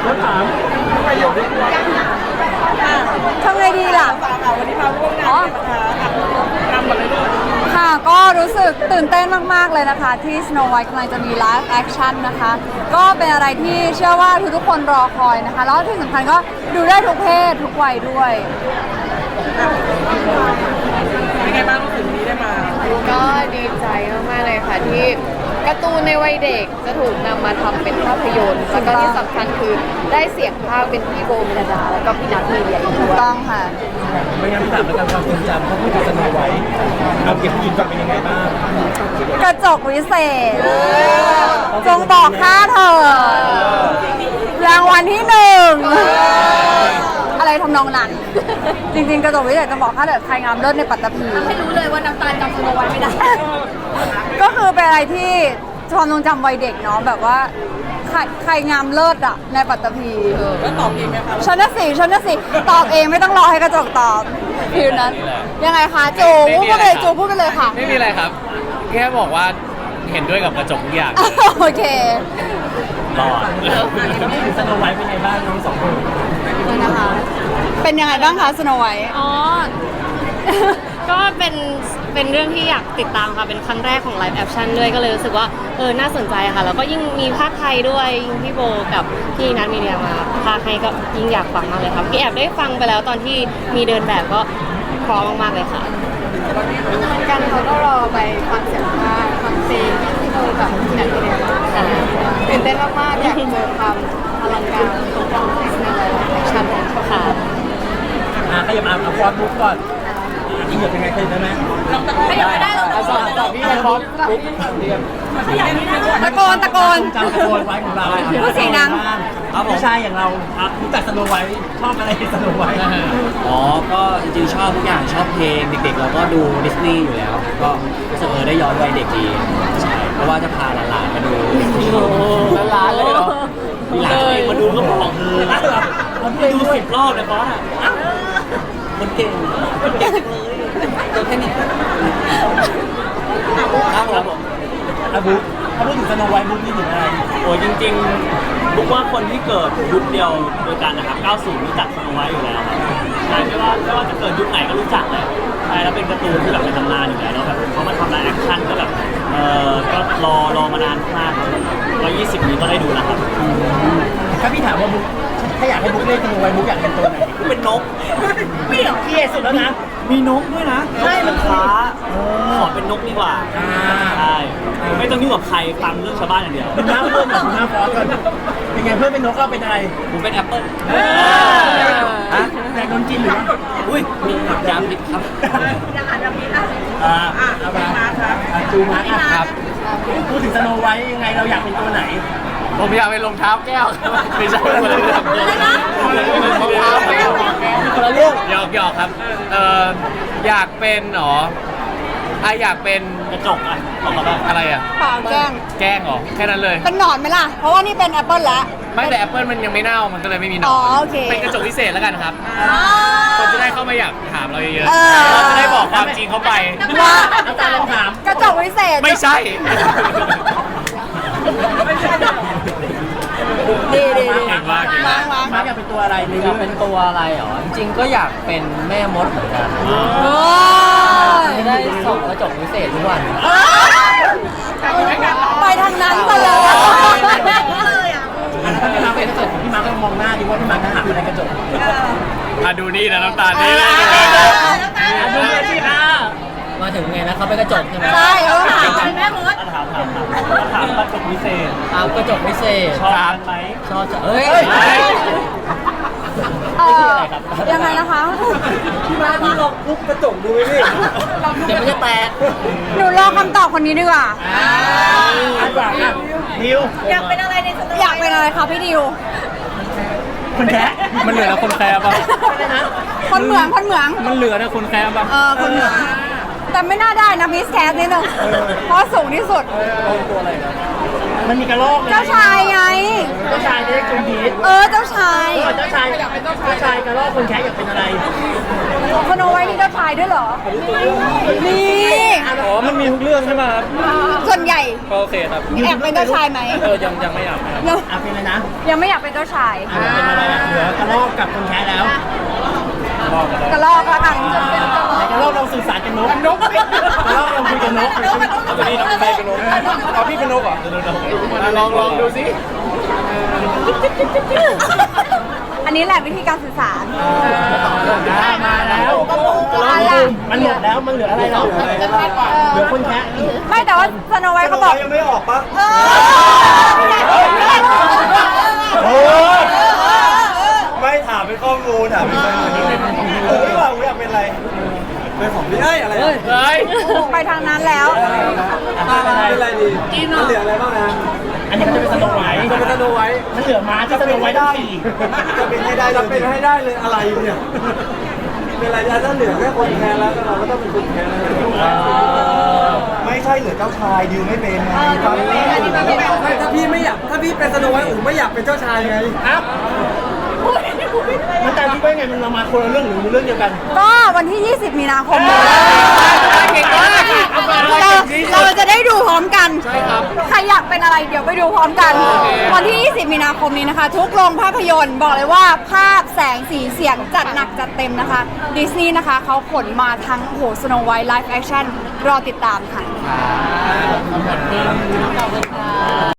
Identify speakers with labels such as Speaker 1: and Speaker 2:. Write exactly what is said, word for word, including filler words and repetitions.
Speaker 1: ถามประโยชน์ด้วย
Speaker 2: ทำไงดีล่ะ
Speaker 3: วันนี้มาร่วมงานนะคะนำมาเลยด้วย
Speaker 2: ค่ะก็รู้สึกตื่นเต้นมากๆเลยนะคะที่ Snow White กำลังจะมี Live Action นะคะก็เป็นอะไรที่เชื่อว่าทุกๆคนรอคอยนะคะแล้วที่สำคัญก็ดูได้ทุกเพศทุกวัยด้วย
Speaker 3: เป็นไงบ้างรู้สึกวันนี้ได้มา
Speaker 4: ก็ดีใจมากๆเลยค่ะที่การ์ตูนในวัยเด็กจะถูกนำมาทำเป็นภาพยนตร์แล้วก็ที่สำคัญคือได้เสียงภาคเป็นพี่โบเมลดาแล้วก็พี่นัทมีเดียอีกด้วย
Speaker 2: ต้องค่ะ
Speaker 1: ไม่งั้นถามแล้วกันความทรงจำเขาพูดถึงสโนไวท์เอาเก็บยินฟังเป็นยังไงบ้าง
Speaker 2: กระจกวิเศษจงบอกข้าเธอรางวัลที่หนึ่งอะไรทำนองนั้นจริงๆกระจกวิเศษจะบอกข้าเธอใครงามเลิศในปัตตภี
Speaker 4: ให้รู้เลยว่าน้ำตาลจำสโนไวท์ไม่ได้
Speaker 2: ก็คือเป็นอะไรที่ความทรงจำวัยเด็กเนาะแบบว่าใครใครงามเลิศอะในปัตตภี
Speaker 3: แล้วตอบเองไหมคะ
Speaker 2: ฉันน่ะสิฉันน่ะสิตอบเองไม่ต้องรอให้กระจกตอบฟิวนั้นยังไงคะจูพูดไปเลยจูพูดไปเลยค่ะ
Speaker 5: ไม่มีอะไรครับแค่บอกว่าเห็นด้วยกับกระจกทุกอย่าง
Speaker 2: โอเค
Speaker 5: รอด
Speaker 1: สโนไวท์เป็นไงบ้างน้องสองคน
Speaker 2: นะคะเป็นยังไงบ้างคะสโนไวท์
Speaker 6: อ๋อก็เป็นเป็นเรื่องที่อยากติดตามค่ะเป็นครั้งแรกของไลฟ์แอคชั่นด้วยก็เลยรู้สึกว่าเออน่าสนใจค่ะแล้วก็ยิ่งมีภาคไทยด้วยยิ่งพี่โบกับพี่นัทมีเดียมาภาคให้ก็ยิ่งอยากฟังมากเลยครับพี่แอบได้ฟังไปแล้วตอนที่มีเดินแบบก็พร้อมมากๆเลยค่ะ
Speaker 4: กันเขาก็รอไปฟังเสียงภาคฟังเพลงพี่โบกับพี่นัทมีเดียค่ะตื่นเต้นมากๆอยากเจอความอลังการของการแสดงไลฟ์แอคชั่นค่ะ
Speaker 1: อ่ะขยับมาเอาฟอนต์บุ๊กก่อนอีกเหยียบยังไงเคยได้ไหม
Speaker 4: ขยับไม่ได้หรอก
Speaker 1: สอบสอบพี่ไปพร้อมบุ๊กเรียน
Speaker 2: ตะโกนตะโกน
Speaker 1: จำสโนไวท์ของเรา
Speaker 2: พูดเสียงดัง
Speaker 1: ผู้ชายอย่างเรารู้จักสโนไวท์ชอบอะไรสโนไวท์
Speaker 7: อ๋อก็จริงๆชอบทุกอย่างชอบเพลงเด็กๆเราก็ดูดิสนีย์อยู่แล้วก็รู้สึกเออได้ย้อนวัยเด็กดีใช่เพราะว่าจะพาหลานๆมาดู
Speaker 1: หลานเลยเหรอ
Speaker 7: มีหลานเองมาดูก็บอกเออมันดูสิบรอบเลยบอสอ่ะมันเก่งมันเก่งเลยตัวแค่นี้ครับผม
Speaker 1: อาบุ๊กถ้าพูดถึงสโนไวท์บุ๊กนี่ถึงอะไร
Speaker 7: โอ้จริงๆบุ๊กว่าคนที่เกิดยุคเดียวโดยกันนะครับเก้าสิบรู้จักสโนไวท์อยู่แล้วครับใช่ไม่ว่าไม่ว่าจะเกิดยุคไหนก็รู้จักเลยใช่แล้วเป็นการ์ตูนที่แบบเป็นตำนานอยู่แล้วแล้วแบบเขามาทำไลฟ์แอคชั่นก็แบบเออก็รอรอมานานมากครับร้อยยี่สิบนี้ก็ได้ดูแล้วครับ
Speaker 1: ถ้าพี่ถามว่าบุ๊กถ้าอยากให้บุ๊กเล่นสโนไวท์บุ๊กอยากเป็นตัวไหน
Speaker 7: เป็นนก
Speaker 1: ไม่เหรอพี่เอสุดแล้วนะ
Speaker 7: มีนกด้วยนะใช่มันฟ้าขอเป็นนกดีกว่าใช่ไม่ต้องยุ่งกับใครฟังเรื่องชาวบ้านอย่างเดียว
Speaker 1: ดูหน้าเพื่อนกับดูหน้าฟอสกันเป็นไงเพื่อนเป็นนกเราเป็นอะไร
Speaker 7: ผมเป็นแอปเปิ้ล
Speaker 1: ฮะแต่โดนกินหรือว่า
Speaker 7: อุ้ยมียาพิษครับ
Speaker 3: อยากอ่านแบบนี้นะ
Speaker 1: อ่าเอามาครับจูมาครับพูดถึงสโนไวท์ยังไงเราอยากเป็นตัวไหน
Speaker 5: ผมอยากเป็นรองเท้าแก้วไม่ใช่คนละเรื่อง
Speaker 2: อะไรนะ
Speaker 5: รองเท้าแก้ว
Speaker 1: คนละเรื่อง
Speaker 5: หยอกหยอกครับเอ่ออยากเป็นหรออ่ะอยากเป็น
Speaker 7: กระจกอ่ะบอกมาบ้าง
Speaker 5: อะไรอ่ะ
Speaker 2: เปล่าแกล้ง
Speaker 5: แกล้งเหรอแค่นั้นเลย
Speaker 2: เป็นหนอนไหมล่ะเพราะว่านี่เป็นแอปเปิลแล้ว
Speaker 5: ไม่แต่แอปเปิลมันยังไม่เน่ามันก็เลยไม่มีหนอนเป็นกระจกพิเศษแล้วกันครับคนจะได้เข้ามาอยากถามเราเยอะๆเราจะได้บอกความจริงเข้าไป
Speaker 2: ว่า
Speaker 1: อาจารย์ลองถาม
Speaker 2: กระจกพิเศษ
Speaker 5: ไม่ใช่
Speaker 2: ดีดีดี
Speaker 5: เก่งมากเก่งมาก
Speaker 1: มาอยากเป็นตัวอะไรใน
Speaker 7: อยากเป็นตัวอะไรหรอจริงๆก็อยากเป็นแม่มดเหมือนกันจะได้ส่องกระจกพิเศษทุกวัน
Speaker 2: ไปทางนั้นไปเลย
Speaker 1: ถ้าพี่มาเป็นกระจกพี่มาก็มองหน้าดีว่าพี่มาจะหาอะไรกระจก
Speaker 5: อ่ะดูนี่นะน้ำตาลนี่เลย
Speaker 1: ดูเลยสิค่ะ
Speaker 7: มาถึงไงนะเขาเป็นกระจกใช่ไหม
Speaker 2: ใช่เออถามแม่มด
Speaker 7: ถามถามถามถามกระจกพิเศษถามกระจกพิเศษชอบไหมชอบเอ้ย
Speaker 2: เออยังไงนะคะ
Speaker 1: พี่มาพี่ลองปุ๊บกระจกดูดิ
Speaker 7: เดี๋ยวมันจะแตก
Speaker 2: หนูรอคำตอบคนนี้ดีกว่า
Speaker 1: ดิว
Speaker 3: อยากเป็นอะไรในสโนไวท์
Speaker 2: อยากเป็นอะไรคะพี่ดิว
Speaker 1: คนแค่
Speaker 5: มันเหลือนะคนแคร์ป่ะ
Speaker 2: คนเหมืองคนเหมือง
Speaker 5: มันเหลือนะคนแคร์ป่ะ
Speaker 2: เออคนเหมืองแต่ไม่น่าได้นะมิสแคสนิดนึงเพราะสูงที่สุด
Speaker 1: ตัวอะไรนะมันมีกระรอก
Speaker 2: เจ้าชายไง
Speaker 1: เจ้าชายได้จุ่มพีช
Speaker 2: เออเจ้าชาย
Speaker 1: เจ้าชชายอยากเป็นเจ้าชายเจ้าชายกระรอกคนแคะอยากเป็นอะไร
Speaker 2: สโนไวท์นี่เจ้าชายด้วยเหรอนี่
Speaker 5: อ๋อ มันมีทุกเรื่องใช่ไหมครับ
Speaker 2: ส่วนใหญ่
Speaker 5: ก็โอเคครับ
Speaker 2: แอบเป็นเจ้าชายไหม
Speaker 5: เออ ยังยังไม่อยากครับ
Speaker 2: ยัง
Speaker 1: อ่ะเป็นอะไรนะ
Speaker 2: ยังไม่อยากเป็นเจ้าชาย
Speaker 1: อ่ะเป็นอะไรอ่ะเหลือกระรอกกับคนแคะแล้ว
Speaker 2: กระลอกละกัน
Speaker 1: ไหนกระรอกเราสื่อสารกันนกนกกระรอกเราคุยกันนก
Speaker 5: เอาตัวนี้น้องใครเป็นนกเอาพี่เป็นนกเหรอลองลองดูสิ
Speaker 2: อันนี้แหละวิธีการสื่อสาร
Speaker 1: มาแล้วมันหมดแล้วมันเหลืออะไรแล้วเหลือคนแคะ
Speaker 2: ไม่แต่ว่าสโนไวท์เขาบอก
Speaker 8: ยังไม่ออกปะ
Speaker 2: เออ
Speaker 8: โอ้ไม่ถามเป็นข้อมูลถามเป็นข้อมูลเออไม่ว่าผมอยากเป็นอะไรเป็นของพี่เอ้ยอะไรอะ
Speaker 5: เฮ้ย
Speaker 2: ไปทางนั้นแล้ว
Speaker 8: เป็นอะไรดีมันเหลืออะไรบ้างนะ
Speaker 1: อันนี้มันจะเป็นสโนไวท์
Speaker 8: จะเป็นสโนไวท์
Speaker 1: มันเหลือม้าที่สโนไวท์ต้องขี่
Speaker 8: จะเป็นให้ได้จะเป็นให้ได้เลยอะไรเนี่ยเป็นอะไรถ้าเหลือแค่คนแทนแล้วเราก็ต้องเป็นคนแทนไม่ใช่เหลือเจ้าชายดิวไม่เป็นไงถ้าพี่ไม่อยากถ้าพี่เป็นสโนไวท์อู๋ไม่อยากเป็นเจ้าชายไง
Speaker 1: ครับมันตามที่ว่าไงมันเรามาคนละเรื่องหรือเรื่องเดียวกัน
Speaker 2: ก็วันที่ ยี่สิบ มีนาคมนี้
Speaker 5: เก่งมากเอามา
Speaker 2: เราเราจะได้ดูพร้อมกัน ใช่ครับ ใครอยากเป็นอะไรเดี๋ยวไปดูพร้อมกัน วันที่ ยี่สิบ มีนาคมนี้นะคะ ทุกโรงภาพยนตร์บอกเลยว่าภาพแสงสีเสียงจัดหนักจัดเต็มนะคะดิสนีย์นะคะเขาขนมาทั้งโอ้โหสโนไวท์ไลฟ์แอคชั่นรอติดตามค่ะ